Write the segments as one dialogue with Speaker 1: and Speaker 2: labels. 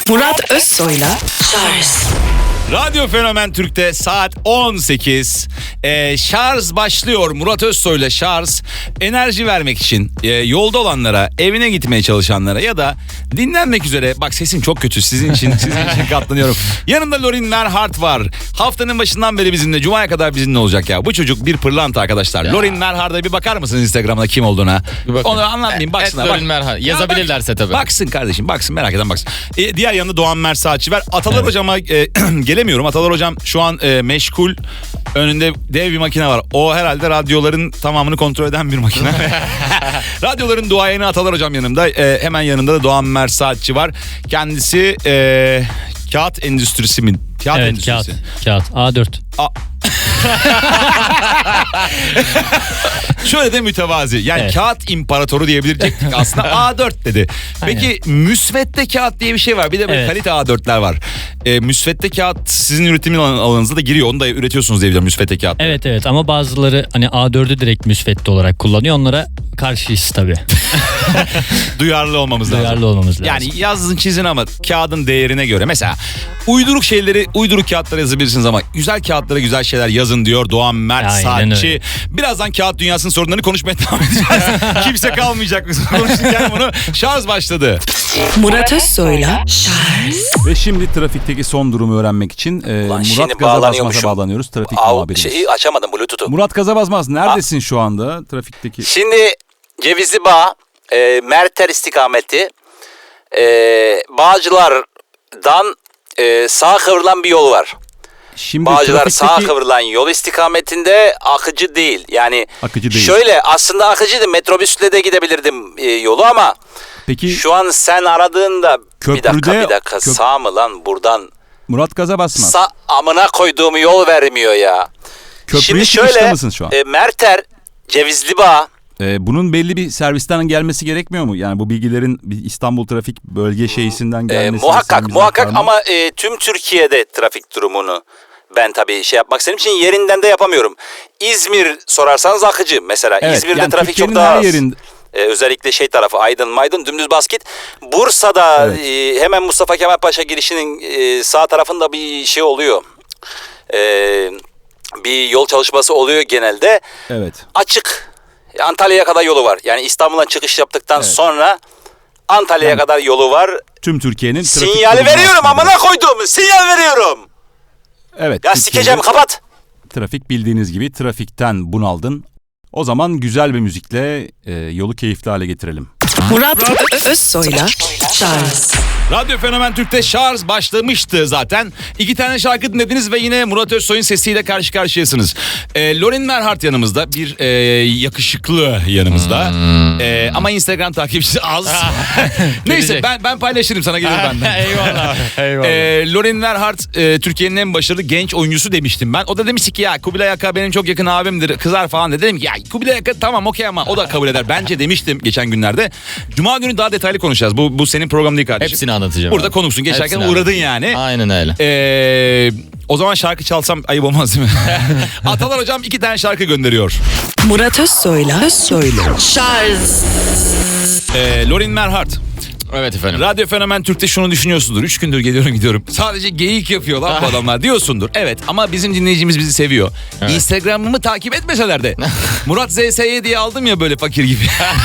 Speaker 1: Murat Özsoy'la Şarj.
Speaker 2: Radyo Fenomen Türk'te saat 18. Şarj başlıyor. Murat Özsoy'la Şarj. Enerji vermek için yolda olanlara, evine gitmeye çalışanlara ya da dinlenmek üzere. Bak sesim çok kötü sizin için katlanıyorum. Yanında Lorin Merhart var. Haftanın başından beri bizimle, Cuma'ya kadar bizimle olacak ya. Bu çocuk bir pırlanta arkadaşlar. Ya. Lorin Merhart'a bir bakar mısınız Instagram'da kim olduğuna? Onu anlatmayayım, baksınlar.
Speaker 3: Lorin Merhart. Yazabilirlerse tabii.
Speaker 2: Baksın kardeşim, baksın, merak eden baksın. Diğer yanında Doğan Mersaatçı var. Atalar hocama gelemiyorum. Atalar hocam şu an meşgul. Önünde dev bir makine var. O herhalde radyoların tamamını kontrol eden bir makine. Radyoların duayeni Atalar hocam yanımda. Hemen yanında da Doğan Mersaatçı var. Kendisi kağıt endüstrisi mi? Kağıt
Speaker 4: evet,
Speaker 2: endüstrisi.
Speaker 4: Kağıt. A4.
Speaker 2: Şöyle de mütevazi. Yani evet. Kağıt imparatoru diyebilecektik aslında. A4 dedi. Peki müsvedde kağıt diye bir şey var. Bir de böyle kalite A4'ler var. Müsvedde kağıt sizin üretim alanınıza da giriyor. Onu da üretiyorsunuz diye biliyorum, müsvedde kağıt.
Speaker 4: Evet ama bazıları hani A4'ü direkt müsvedde olarak kullanıyor. Onlara karşıyız tabii.
Speaker 2: Duyarlı olmamız lazım.
Speaker 4: Duyarlı olmamız lazım.
Speaker 2: Yani yazın çizin ama kağıdın değerine göre. Mesela uyduruk şeyleri uyduruk kağıtlara yazabilirsiniz ama güzel kağıtlara güzel şeyler yazın diyor Doğan Mersaatçı. Birazdan kağıt dünyasının sorunlarını konuşmaya devam edeceğiz. Kimse kalmayacak konuşurken bunu. Şarj başladı.
Speaker 1: Murat Özsoy'la Şarj.
Speaker 2: Ve şimdi trafikteki son durumu öğrenmek için Murat Gazabazmaz'a bağlanıyoruz. Trafik muhabirimiz.
Speaker 5: Şeyi açamadım, Bluetooth'u.
Speaker 2: Murat Gazabazmaz neredesin şu anda trafikteki?
Speaker 5: Şimdi Cevizli Bağ, Merter istikameti, Bağcılar'dan sağa kıvrılan bir yol var.
Speaker 2: Şimdi
Speaker 5: Bağcılar sağa kıvrılan yol istikametinde akıcı değil. Yani
Speaker 2: akıcı değil.
Speaker 5: Şöyle aslında akıcıydı, metrobüsle de gidebilirdim yolu ama
Speaker 2: peki,
Speaker 5: şu an sen aradığında
Speaker 2: köprüde,
Speaker 5: bir dakika sağ mı lan buradan?
Speaker 2: Murat Gazabazmaz.
Speaker 5: Amına koyduğum yol vermiyor ya.
Speaker 2: Köprüye
Speaker 5: şimdi
Speaker 2: şöyle mısın şu an?
Speaker 5: Merter, Cevizli Bağ.
Speaker 2: Bunun belli bir servisten gelmesi gerekmiyor mu? Yani bu bilgilerin bir İstanbul Trafik Bölge Şeysi'nden gelmesi.
Speaker 5: Muhakkak ama tüm Türkiye'de trafik durumunu ben tabii yapmak istediğim için yerinden de yapamıyorum. İzmir sorarsanız akıcı mesela. Evet, İzmir'de yani trafik çok daha az. Özellikle tarafı Aydın dümdüz bas git. Bursa'da hemen Mustafa Kemal Paşa girişinin sağ tarafında bir şey oluyor. Bir yol çalışması oluyor genelde.
Speaker 2: Evet.
Speaker 5: Açık. Antalya'ya kadar yolu var. Yani İstanbul'dan çıkış yaptıktan sonra Antalya'ya kadar yolu var.
Speaker 2: Tüm Türkiye'nin trafik
Speaker 5: sinyali veriyorum, amına koyduğum sinyal veriyorum.
Speaker 2: Evet.
Speaker 5: Ya sikeceğim, kapat.
Speaker 2: Trafik bildiğiniz gibi, trafikten bunaldın. O zaman güzel bir müzikle yolu keyifli hale getirelim.
Speaker 1: Murat Özsoy'la Şarj.
Speaker 2: Radyo Fenomen Türk'te Şarj başlamıştı zaten. 2 tane şarkı dinlediniz ve yine Murat Özsoy'un sesiyle karşı karşıyasınız. Lorin Merhart yanımızda, bir yakışıklı yanımızda. Ama Instagram takipçisi az. Neyse ben paylaşırım, sana gelir benden.
Speaker 3: Eyvallah.
Speaker 2: Lorin Merhart Türkiye'nin en başarılı genç oyuncusu demiştim ben. O da demişti ki ya Kubilay Aka benim çok yakın abimdir, kızar falan dedi. Dedim ki ya Kubilay Aka tamam okey ama o da kabul eder bence demiştim geçen günlerde. Cuma günü daha detaylı konuşacağız. Bu senin program değil kardeşim.
Speaker 3: Hepsini anlatacağım.
Speaker 2: Burada konuşsun. Geçerken uğradın yani.
Speaker 3: Aynen öyle.
Speaker 2: O zaman şarkı çalsam ayıp olmaz değil mi? Atalar hocam 2 tane şarkı gönderiyor.
Speaker 1: Murat Özsoy'la Şarj.
Speaker 2: Lorin Merhart.
Speaker 3: Evet efendim.
Speaker 2: Radyo Fenomen Türk'te şunu düşünüyorsundur. 3 gündür geliyorum gidiyorum. Sadece geyik yapıyor lan bu adamlar diyorsundur. Evet ama bizim dinleyicimiz bizi seviyor. Evet. Instagram'ımı takip etmeseler de. Murat ZSY diye aldım ya böyle fakir gibi.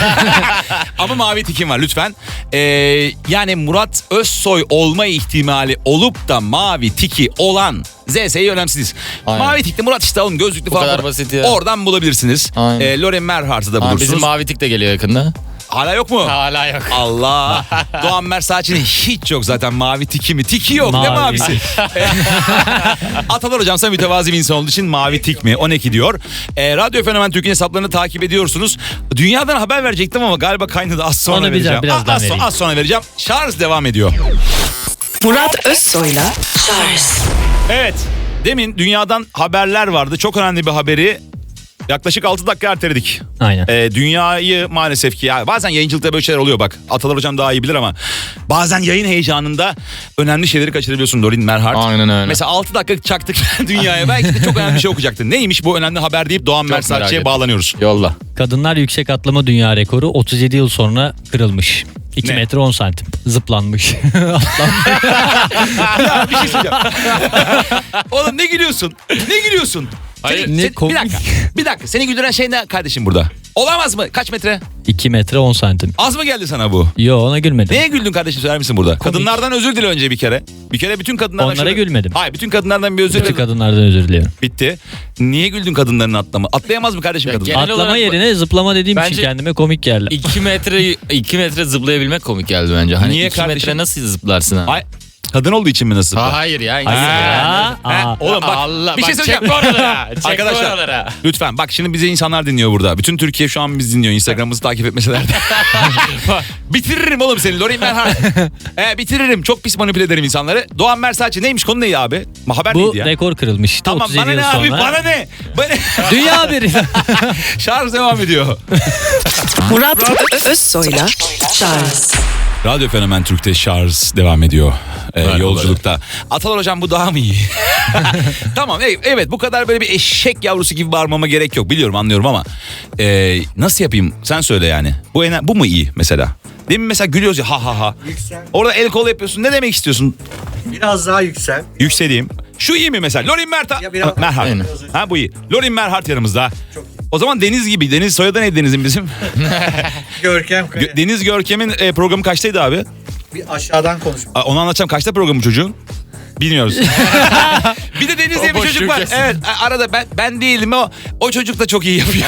Speaker 2: Ama mavi tikim var lütfen. Yani Murat Özsoy olma ihtimali olup da mavi tiki olan ZS'yi önemsiz. Mavi tikli Murat işte alın, gözlüklü falan.
Speaker 3: Bu kadar basit ya.
Speaker 2: Oradan bulabilirsiniz. Lorin Merhart'ı da bulursunuz.
Speaker 3: Bizim mavi tik de geliyor yakında.
Speaker 2: Hala yok mu?
Speaker 3: Hala yok.
Speaker 2: Allah. Doğan Mersaatçı'nın hiç yok zaten mavi tiki mi? Tiki yok. Ne mavisi? Atalar hocam sen mütevazi bir insan olduğu için mavi tik mi? O ne ki diyor. Radyo Fenomen Türk'ün hesaplarını takip ediyorsunuz. Dünyadan haber verecektim ama galiba kaynadı, az sonra vereceğim. Az sonra vereceğim. Şarj devam ediyor.
Speaker 1: Murat Özsoy'la Şarj.
Speaker 2: Evet. Demin dünyadan haberler vardı. Çok önemli bir haberi yaklaşık 6 dakika erteledik.
Speaker 4: Aynen.
Speaker 2: Dünyayı maalesef ki ya bazen yayıncılıkta böyle şeyler oluyor bak. Atalar hocam daha iyi bilir ama bazen yayın heyecanında önemli şeyleri kaçırabiliyorsun Lorin Merhart.
Speaker 3: Aynen öyle.
Speaker 2: Mesela 6 dakika çaktık dünyaya, belki de çok önemli bir şey okuyacaktın. Neymiş bu önemli haber deyip Doğan Mersaatçı'ya bağlanıyoruz.
Speaker 3: Yolla.
Speaker 4: Kadınlar yüksek atlama dünya rekoru 37 yıl sonra kırılmış. 2
Speaker 2: Ne?
Speaker 4: metre 10 santim. Zıplanmış.
Speaker 2: Ya bir şey söyleyeceğim. Oğlum ne gülüyorsun? Ne gülüyorsun?
Speaker 3: Hayır,
Speaker 4: ne
Speaker 2: bir
Speaker 4: komik.
Speaker 2: dakika. Bir dakika. Seni güldüren şey ne kardeşim burada? Olamaz mı? Kaç metre?
Speaker 4: 2 metre 10 santim.
Speaker 2: Az mı geldi sana bu?
Speaker 4: Yo, ona gülmedim.
Speaker 2: Neye güldün kardeşim, söyler misin burada? Kadınlardan özür dile önce bir kere. Bir kere bütün kadınlardan...
Speaker 4: Onlara gülmedim.
Speaker 2: Hayır, bütün kadınlardan bir özür
Speaker 4: Bütün
Speaker 2: dile.
Speaker 4: kadınlardan özür diliyorum.
Speaker 2: Bitti. Niye güldün kadınların atlama? Atlayamaz mı kardeşim
Speaker 3: Ya
Speaker 2: kadın?
Speaker 3: genel
Speaker 4: Atlama
Speaker 3: olarak-
Speaker 4: yerine zıplama dediğim
Speaker 3: Bence-
Speaker 4: için kendime komik geldi.
Speaker 3: 2 metre zıplayabilmek komik geldi bence. Hani
Speaker 2: Niye
Speaker 3: 2
Speaker 2: kardeşim?
Speaker 3: metre nasıl zıplarsın ha?
Speaker 2: Ay, kadın olduğu için mi nasıl?
Speaker 3: Hayır ya.
Speaker 4: Hayır
Speaker 3: insan
Speaker 4: ya.
Speaker 3: yani.
Speaker 4: Aa.
Speaker 2: Oğlum bak,
Speaker 3: Allah,
Speaker 2: bir şey
Speaker 3: bak,
Speaker 2: söyleyeceğim.
Speaker 3: çek oralara, çek
Speaker 2: Arkadaşlar
Speaker 3: oralara.
Speaker 2: lütfen bak, şimdi bizi insanlar dinliyor burada. Bütün Türkiye şu an bizi dinliyor. Instagram'ımızı takip etmeseler de. Bitiririm oğlum seni Lorin Merhart. Bitiririm. Çok pis manipüle ederim insanları. Doğan Mersaç'ı neymiş, konu neydi abi? Haber
Speaker 4: Bu
Speaker 2: neydi ya?
Speaker 4: rekor kırılmış.
Speaker 2: Tamam,
Speaker 4: 37
Speaker 2: bana
Speaker 4: yıl
Speaker 2: ne abi,
Speaker 4: sonra.
Speaker 2: bana ne?
Speaker 4: Dünya haberi.
Speaker 2: Şarj devam ediyor.
Speaker 1: Murat Özsoy'la Charles
Speaker 2: Radyo Fenomen Türk'te şarj devam ediyor. Yolculukta. Atalar hocam, bu daha mı iyi? Tamam, evet, bu kadar böyle bir eşek yavrusu gibi bağırmama gerek yok. Biliyorum, anlıyorum ama nasıl yapayım? Sen söyle yani. Bu mu iyi mesela? Demin mesela gülüyoruz ya, ha ha ha.
Speaker 6: Yüksel.
Speaker 2: Orada el kol yapıyorsun. Ne demek istiyorsun?
Speaker 6: Biraz daha yüksel.
Speaker 2: Yükseleyim. Şu iyi mi mesela? Lorin Merhart.
Speaker 6: Ya biraz-
Speaker 2: Merhart.
Speaker 3: Aynen.
Speaker 2: Ha, bu iyi. Lorin Merhart yanımızda.
Speaker 6: Çok iyi.
Speaker 2: O zaman Deniz gibi. Deniz soyadı neydi Deniz'in bizim?
Speaker 6: Görkem Kaya.
Speaker 2: Deniz Görkem'in programı kaçtaydı abi?
Speaker 6: Bir aşağıdan konuş.
Speaker 2: Onu anlatacağım. Kaçta programı çocuğun? Bilmiyoruz. Bir de Deniz diye bir
Speaker 3: O boş
Speaker 2: çocuk var.
Speaker 3: ülkesin.
Speaker 2: Evet, arada ben değilim, o çocuk da çok iyi yapıyor.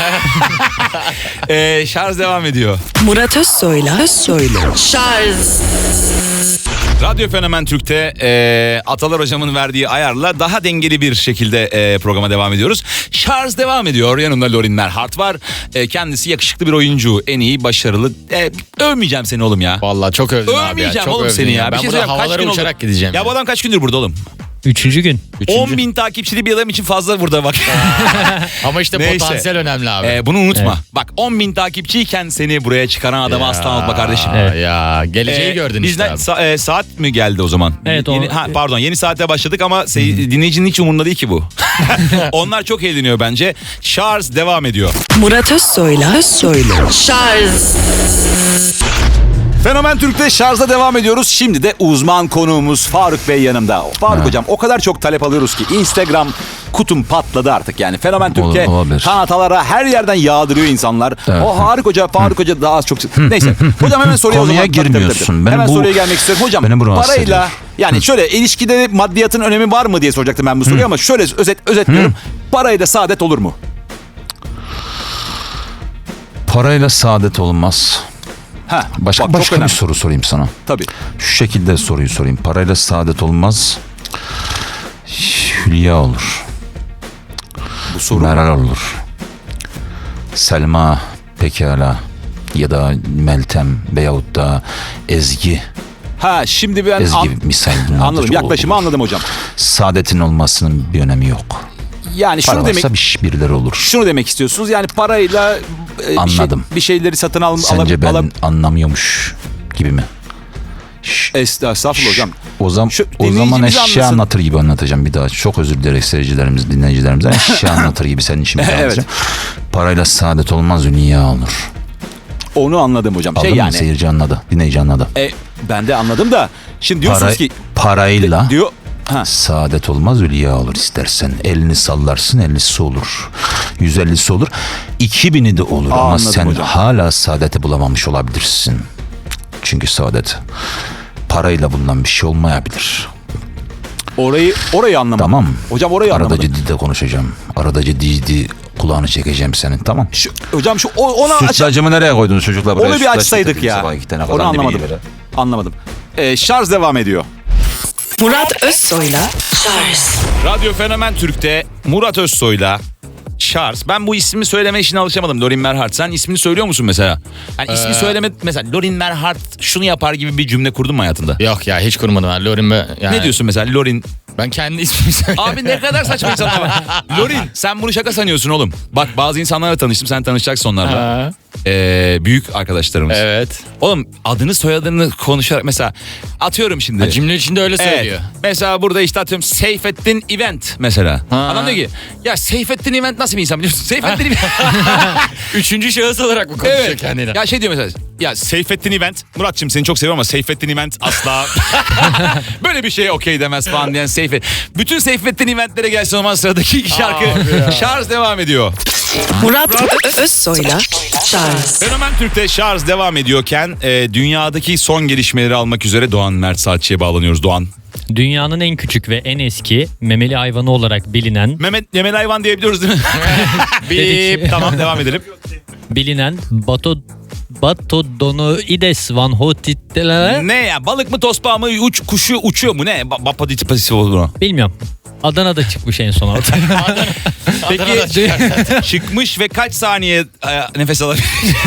Speaker 2: Şarj devam ediyor.
Speaker 1: Murat Özsoy'la Charles
Speaker 2: Radyo Fenomen Türk'te Atalar hocamın verdiği ayarla daha dengeli bir şekilde programa devam ediyoruz. Şarj devam ediyor. Yanımda Lorin Merhart var. Kendisi yakışıklı bir oyuncu. En iyi, başarılı. Övmeyeceğim seni oğlum ya.
Speaker 3: Vallahi çok övdün abi ya.
Speaker 2: Övmeyeceğim
Speaker 3: Çok
Speaker 2: oğlum
Speaker 3: övdün
Speaker 2: seni ya.
Speaker 3: Ben
Speaker 2: Bir şey
Speaker 3: burada
Speaker 2: söyleyeyim, kaç
Speaker 3: havalara
Speaker 2: gün oldu?
Speaker 3: uçarak gideceğim.
Speaker 2: Ya bu adam kaç gündür burada oğlum?
Speaker 4: 3. gün.
Speaker 2: 10 bin takipçili bir adam için fazla burada bak.
Speaker 3: Ama işte
Speaker 2: Neyse.
Speaker 3: potansiyel önemli abi.
Speaker 2: Bunu unutma.
Speaker 4: Evet.
Speaker 2: Bak, 10 bin takipçiyken seni buraya çıkaran adamı
Speaker 3: Ya,
Speaker 2: asla unutma kardeşim.
Speaker 3: Ya geleceği gördün işte
Speaker 2: bizden
Speaker 3: abi.
Speaker 2: saat mi geldi o zaman?
Speaker 4: Evet,
Speaker 2: Yeni,
Speaker 4: o-
Speaker 2: pardon, yeni saate başladık ama dinleyicinin hiç umurunda değil ki bu. Onlar çok eğleniyor bence. Şarj devam ediyor.
Speaker 1: Murat Özsoy'la Charles
Speaker 5: Fenomen Türk'te şarja devam ediyoruz. Şimdi de uzman konuğumuz Faruk Bey yanımda. Faruk hocam, o kadar çok talep alıyoruz ki Instagram kutum patladı artık yani. Fenomen Türk'e,
Speaker 7: olabilir.
Speaker 5: kanatalara her yerden yağdırıyor insanlar.
Speaker 7: Evet.
Speaker 5: O Faruk Hoca daha az çok... Neyse. Hocam hemen soruya o
Speaker 7: Konuya
Speaker 5: zaman...
Speaker 7: girmiyorsun. Benim
Speaker 5: Hemen
Speaker 7: bu-
Speaker 5: soruya gelmek istiyorum. Hocam
Speaker 7: beni bu rahatsız
Speaker 5: parayla...
Speaker 7: ediyor.
Speaker 5: Yani şöyle, ilişkide maddiyatın önemi var mı diye soracaktım ben bu soruyu ama şöyle özetliyorum. Parayla saadet olur mu?
Speaker 7: Parayla saadet olmaz.
Speaker 5: Ha,
Speaker 7: Başka
Speaker 5: bak, çok
Speaker 7: bir
Speaker 5: önemli.
Speaker 7: soru sorayım sana.
Speaker 5: Tabii.
Speaker 7: Şu şekilde soruyu sorayım. Parayla saadet olmaz. Hülya olur.
Speaker 5: Bu soru...
Speaker 7: Meral olur. Selma pekala. Ya da Meltem veyahut da Ezgi.
Speaker 5: Ha, şimdi ben...
Speaker 7: Ezgi misal.
Speaker 5: Anladım. Yaklaşımı anladım hocam.
Speaker 7: Saadetin olmasının bir önemi yok.
Speaker 5: Yani
Speaker 7: Para
Speaker 5: şunu demek...
Speaker 7: varsa birileri olur.
Speaker 5: Şunu demek istiyorsunuz, yani parayla
Speaker 7: Anladım.
Speaker 5: bir şeyleri satın
Speaker 7: Sence ben anlamıyormuş gibi mi?
Speaker 5: Estağfurullah hocam.
Speaker 7: O zaman
Speaker 5: dinleyicimiz
Speaker 7: eşya
Speaker 5: anlasın.
Speaker 7: anlatır gibi anlatacağım bir daha. Çok özür dileyerek seyircilerimiz, dinleyicilerimizden eşya anlatır gibi senin için bir daha
Speaker 5: Evet.
Speaker 7: anlatacağım. Parayla saadet olmaz, dünya olur.
Speaker 5: Onu anladım hocam.
Speaker 7: Aldın mı? Seyirci anladı, dinleyici anladı.
Speaker 5: Ben de anladım da şimdi diyorsunuz ki
Speaker 7: Parayla
Speaker 5: diyor
Speaker 7: saadet olmaz, hülya olur istersen. Elini sallarsın, 50'si olur. 150'si olur. 2000'i de olur ama
Speaker 5: Anladım
Speaker 7: sen
Speaker 5: hocam.
Speaker 7: hala saadeti bulamamış olabilirsin. Çünkü saadet parayla bulunan bir şey olmayabilir.
Speaker 5: orayı anlamadım.
Speaker 7: Tamam.
Speaker 5: Hocam orayı
Speaker 7: Arada
Speaker 5: anlamadım.
Speaker 7: ciddi konuşacağım. Arada ciddi kulağını çekeceğim senin, tamam.
Speaker 5: Hocam ona
Speaker 7: Sütlacımı nereye koydunuz çocuklar? Buraya
Speaker 5: onu bir
Speaker 7: sütlaç
Speaker 5: açsaydık
Speaker 7: getirdiniz
Speaker 5: ya.
Speaker 7: sabah 2 tane
Speaker 5: Onu
Speaker 7: falan diye
Speaker 5: anlamadım.
Speaker 7: bir yere.
Speaker 5: Anlamadım. Şarj devam ediyor.
Speaker 1: Murat Özsoy'la Charles
Speaker 2: Radyo Fenomen Türk'te Murat Özsoy'la Şarj. Ben bu ismi söyleme işine alışamadım. Lorin Merhart. Sen ismini söylüyor musun mesela? Yani ismi söyleme, mesela Lorin Merhart şunu yapar gibi bir cümle kurdun mu hayatında?
Speaker 3: Yok ya, hiç kurmadım ben. Lorin yani
Speaker 2: Ne diyorsun mesela Lorin?
Speaker 3: Ben kendi ismimi söylüyorum.
Speaker 2: Abi ne kadar saçma insanlar var. Lorin, sen bunu şaka sanıyorsun oğlum. Bak, bazı insanlarla tanıştım, sen tanışacaksın onlarla. büyük arkadaşlarımız.
Speaker 3: Evet.
Speaker 2: Oğlum adını soyadını konuşarak mesela atıyorum şimdi.
Speaker 3: Ha, cümle içinde öyle söylüyor.
Speaker 2: Mesela burada işte atıyorum Seyfettin Event mesela.
Speaker 3: Ha.
Speaker 2: Adam diyor ki ya Seyfettin Event nasıl bir insan biliyorsun? Seyfettin Event.
Speaker 3: Üçüncü şahıs olarak mı konuşuyor
Speaker 2: Evet.
Speaker 3: kendine?
Speaker 2: Ya şey diyor mesela. Ya Seyfettin Event. Muratçım seni çok seviyorum ama Seyfettin Event asla böyle bir şeye okey demez falan diyen Seyfettin. Bütün Seyfettin Event'lere gelsin o zaman sıradaki şarkı. Şarj devam ediyor.
Speaker 1: Murat Özsoy'la Charles.
Speaker 2: Fenomen Türk'te şarj devam ediyorken dünyadaki son gelişmeleri almak üzere Doğan Mert Saatçı'ya bağlanıyoruz. Doğan.
Speaker 4: Dünyanın en küçük ve en eski memeli hayvanı olarak bilinen
Speaker 2: Memeli hayvan diyebiliyoruz değil mi?
Speaker 4: Dedik.
Speaker 2: Tamam devam edelim.
Speaker 4: Batodonoides van Hotitteler.
Speaker 2: Ne ya balık mı tosbağa mı kuşu uçuyor mu ne? Bapaditipasif olur o.
Speaker 4: Bilmiyorum. Adana'da çıkmış en son ortaya.
Speaker 2: Peki çıkmış ve kaç saniye nefes alabilir?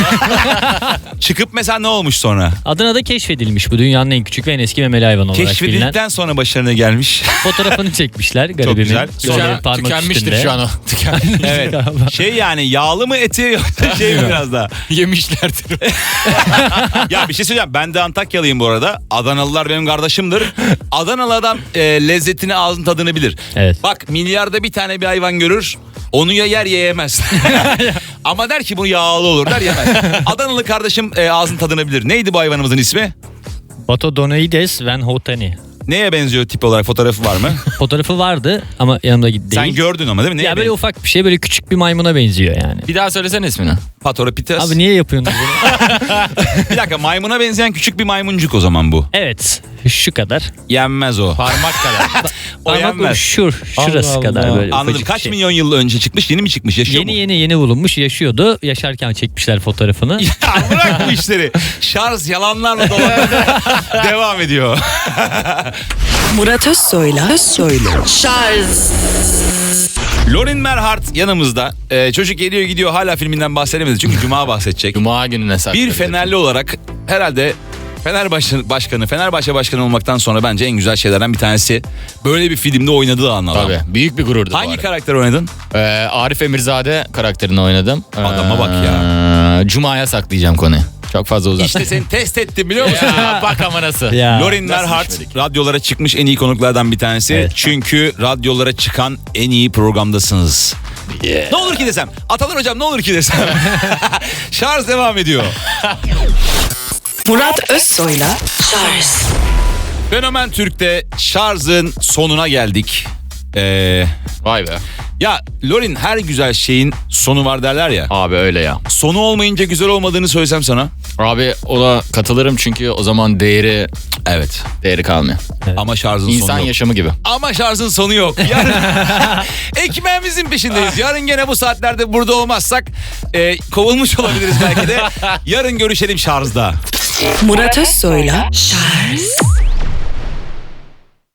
Speaker 2: Çıkıp mesela ne olmuş sonra?
Speaker 4: Adana'da keşfedilmiş bu dünyanın en küçük ve en eski memeli hayvanı olarak bilinen.
Speaker 2: Keşfedildikten sonra başarına gelmiş.
Speaker 4: Fotoğrafını çekmişler garibimin.
Speaker 2: güzel.
Speaker 4: Böyle parmak
Speaker 3: Tükenmiştir
Speaker 4: üstünde.
Speaker 3: şu an o. Tükenmiştir.
Speaker 2: Evet. Şey yani yağlı mı eti yoksa şey mi biraz daha?
Speaker 3: Yemişlerdir.
Speaker 2: Ya bir şey söyleyeceğim. Ben de Antakyalıyım bu arada. Adanalılar benim kardeşimdir. Adanalı adam lezzetini ağzın tadını bilir.
Speaker 4: Evet.
Speaker 2: Bak milyarda bir tane bir hayvan görür. Onu ya yer ya yemez. Ama der ki bu yağlı olur der yemez. Adanalı kardeşim ağzın tadını bilir. Neydi bu hayvanımızın ismi?
Speaker 4: Batodonoides van Hotani.
Speaker 2: Neye benziyor tip olarak fotoğrafı var mı?
Speaker 4: Fotoğrafı vardı ama yanımda değil.
Speaker 2: Sen gördün ama değil mi? Neye
Speaker 4: Ya böyle
Speaker 2: benziyor?
Speaker 4: ufak bir şey, böyle küçük bir maymuna benziyor yani.
Speaker 3: Bir daha söylesene ismini.
Speaker 2: Patropites.
Speaker 4: Abi niye yapıyorsunuz bunu?
Speaker 2: Bir dakika maymuna benzeyen küçük bir maymuncuk o zaman bu.
Speaker 4: Evet. Şu kadar.
Speaker 2: Yenmez o.
Speaker 3: Parmak kadar.
Speaker 2: O
Speaker 4: Parmak
Speaker 2: yenmez.
Speaker 4: şurası
Speaker 3: Allah
Speaker 4: kadar
Speaker 3: Allah.
Speaker 4: böyle.
Speaker 2: Anladım.
Speaker 4: ufacık bir
Speaker 2: Kaç
Speaker 4: şey.
Speaker 2: milyon yıl önce çıkmış? Yeni mi çıkmış? Yaşıyor mu?
Speaker 4: Yeni bulunmuş, yaşıyordu. Yaşarken çekmişler fotoğrafını.
Speaker 2: Ya bırak bu işleri. Şarj yalanlarla devam ediyor.
Speaker 1: Murat Özsoy'la Charles.
Speaker 2: Lorin Merhart yanımızda. Çocuk geliyor gidiyor hala filminden bahsedemedi. Çünkü Cuma bahsedecek.
Speaker 3: Cuma gününe saklı.
Speaker 2: Bir Fenerli olarak herhalde Fenerbahçe başkanı olmaktan sonra bence en güzel şeylerden bir tanesi böyle bir filmde oynadığı an adam.
Speaker 3: Tabii. Büyük bir gururdu bu
Speaker 2: Hangi
Speaker 3: arada.
Speaker 2: karakter oynadın?
Speaker 3: Arif Emirzade karakterini oynadım.
Speaker 2: Adama bak
Speaker 3: ya. Cuma'ya saklayacağım konuyu. Çok fazla uzatma.
Speaker 2: İşte seni test ettim biliyor musun?
Speaker 3: Ya, bak ama nasıl.
Speaker 4: Ya.
Speaker 2: Lorin Merhart
Speaker 3: düşmedik?
Speaker 2: radyolara çıkmış en iyi konuklardan bir tanesi.
Speaker 4: Evet.
Speaker 2: Çünkü radyolara çıkan en iyi programdasınız. Ne olur ki desem. Atalar hocam ne olur ki desem. Şarj devam ediyor.
Speaker 1: Murat Özsoy'la Charles.
Speaker 2: Fenomen Türk'te şarjın sonuna geldik.
Speaker 3: Vay be.
Speaker 2: Ya Lorin her güzel şeyin sonu var derler ya.
Speaker 3: Abi öyle ya.
Speaker 2: Sonu olmayınca güzel olmadığını söylesem sana.
Speaker 3: Abi ona katılırım çünkü o zaman değeri kalmıyor.
Speaker 2: Ama şarjın
Speaker 3: İnsan
Speaker 2: sonu yok.
Speaker 3: yaşamı gibi.
Speaker 2: Ama şarjın sonu yok. Yarın ekmeğimizin peşindeyiz. Yarın gene bu saatlerde burada olmazsak kovulmuş olabiliriz belki de. Yarın görüşelim şarjda.
Speaker 1: Murat Özsoy'la Charles.